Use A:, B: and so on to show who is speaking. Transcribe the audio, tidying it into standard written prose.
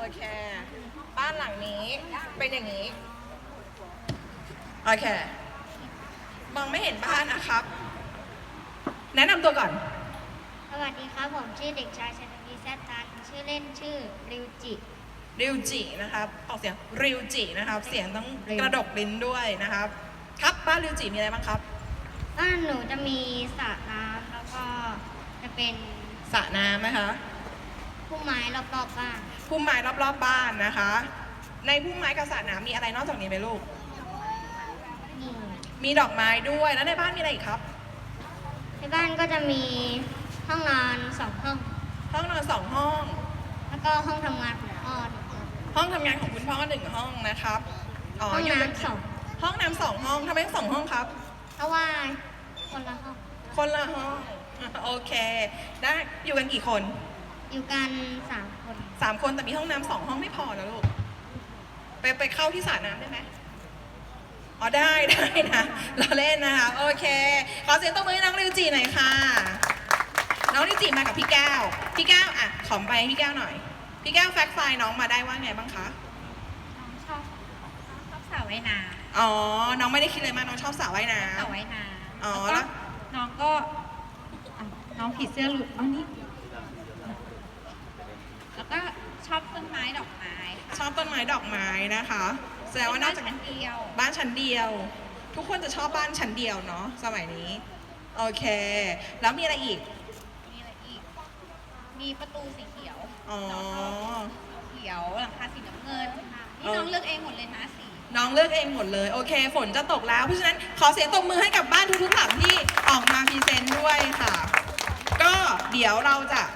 A: เคบ้านหลังนี้เป็นอย่างนี้โอเคมองไม่เห็นบ้านนะครับแนะนำตัวก่อน
B: สวัสดีครับผมชื่อเด็กชายชนวีแซตันชื่อเล่นชื่อริวจิ
A: ริวจินะครับออกเสียงริวจินะครับเสียงต้องกระดกลิ้นด้วยนะครับครับบ้านริวจิมีอะไรบ้างครับ
B: บ้านหนูจะมีสระน้ำแล้วก็จะเป็น
A: สระน้ำนะคะ
B: พุ่มไม้รอบๆบ้าน
A: พุ่มไม้รอบๆบ้านนะคะ ในพุ่มไม้กับสระน้ำมีอะไรนอกจากนี้ไหมลูก
B: นี่
A: มีดอกไม้ด้วยแล้วในบ้านมีอะไรอีกครับ
B: ในบ้านก็จะมีห้องนอน2 ห้อง
A: ห้องนอน2 ห้อง
B: แล้วก็ห้องทำงานของพ่อหนึ่งห้อง
A: ห้องทำงานของคุณพ่อ1 ห้องนะครับ
B: ห้อง
A: ยู่กั
B: น้ำสอง
A: ห้องน้ำ2 ห้องทำไม2 ห้องครับ
B: เพราะว่าคนละห้อง
A: คนละห้อง โอเค ได้อยู่กันกี่คน
B: อยู่กัน3 คน
A: 3 คนแต่มีห้องน้ำ2 ห้องไม่พอนะลูกไปเข้าที่สระน้ำได้ไหมอ๋อได้นะเราเล่นนะคะโอเคขอเสียงตบมือให้น้องริวจิหน่อยค่ะน้องริวจิมากับพี่แก้วอ่ะขอไปให้พี่แก้วหน่อยพี่แก้วแฟกไฟล์น้องมาได้ว่าไงบ้างคะ
B: น้องชอบสระว่ายน้
A: อ๋อน้องไม่ได้คิดเลยมากน้องชอบสระว่ายน้
B: ำสระว่ายน้
A: ำอ๋อ
B: ำ
A: แล้ว
B: น้องก็น้องผีเสื้อหลุดอันนี้แล้วก็ชอบต้นไม้ดอกไม้
A: ชอบต้นไม้ดอกไม้นะคะแสดงว่านอกจาก
B: ชั้นเดียว
A: บ้านชั้นเดียว ทุกคนจะชอบบ้านชั้นเดียวเนาะสมัยนี้โอเค แล้วมีอะไรอีก
B: มีอะไรอีก มีประตูสีเขียว
A: อ๋อ
B: น้องชอบเขียวหลังคาสีน้ำเงินนี่น้องเลือกเองหมดเลยนะสี
A: น้องเลือกเองหมดเลยโอเค ฝนจะตกแล้วเพราะฉะนั้นขอเสียงตบมือให้กับบ้านทุกๆหลังที่ออกมาพรีเซนต์ด้วยค่ะ ก็เดี๋ยวเราจะ